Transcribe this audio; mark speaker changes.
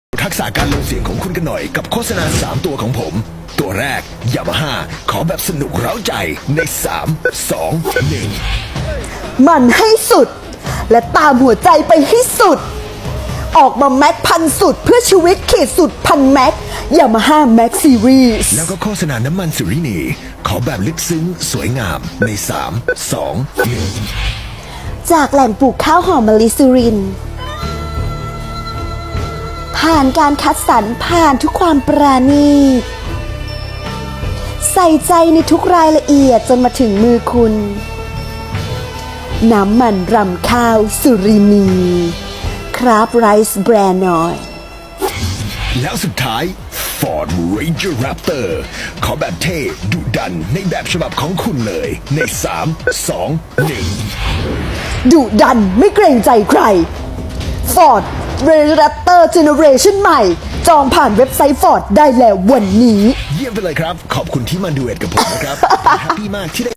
Speaker 1: ทักษะการลงเสียงของคุณกันหน่อยกับโฆษณา3ตัวของผม ตัวแรก Yamaha ขอแบบสนุกเร้าใจใน3 2 1
Speaker 2: มันให้สุดและตามหัวใจไปให้สุดออกมาแม็กพันสุดเพื่อชีวิตขีดสุดพันแม็กยามาฮ่าแม็กซีรีส์
Speaker 1: แล้วก็โฆษณาน้ำมันสุรินีขอแบบลึกซึ้งสวยงามใน3 2 1
Speaker 2: จากแหล่งปลูกข้าวหอมมะลิสุรินทร์ผ่านการคัดสรรผ่านทุกความปราณีตใส่ใจในทุกรายละเอียดจนมาถึงมือคุณน้ำมันรำข้าวสุรินีคราฟไรซ์แบรนด์หน่อย
Speaker 1: แล้วสุดท้าย Ford Ranger Raptor ขอแบบเท่ดุดันในแบบฉบับของคุณเลยใน3 2 1
Speaker 2: ดุดันไม่เกรงใจใคร Ford Raptor Generation ใหม่จองผ่านเว็บไซต์ Ford ได้แล้ววันนี้
Speaker 1: เยี่ยมไปเลยครับขอบคุณที่มาดูเอ็ดกับผมนะครับ แฮปปี้มากที่ได้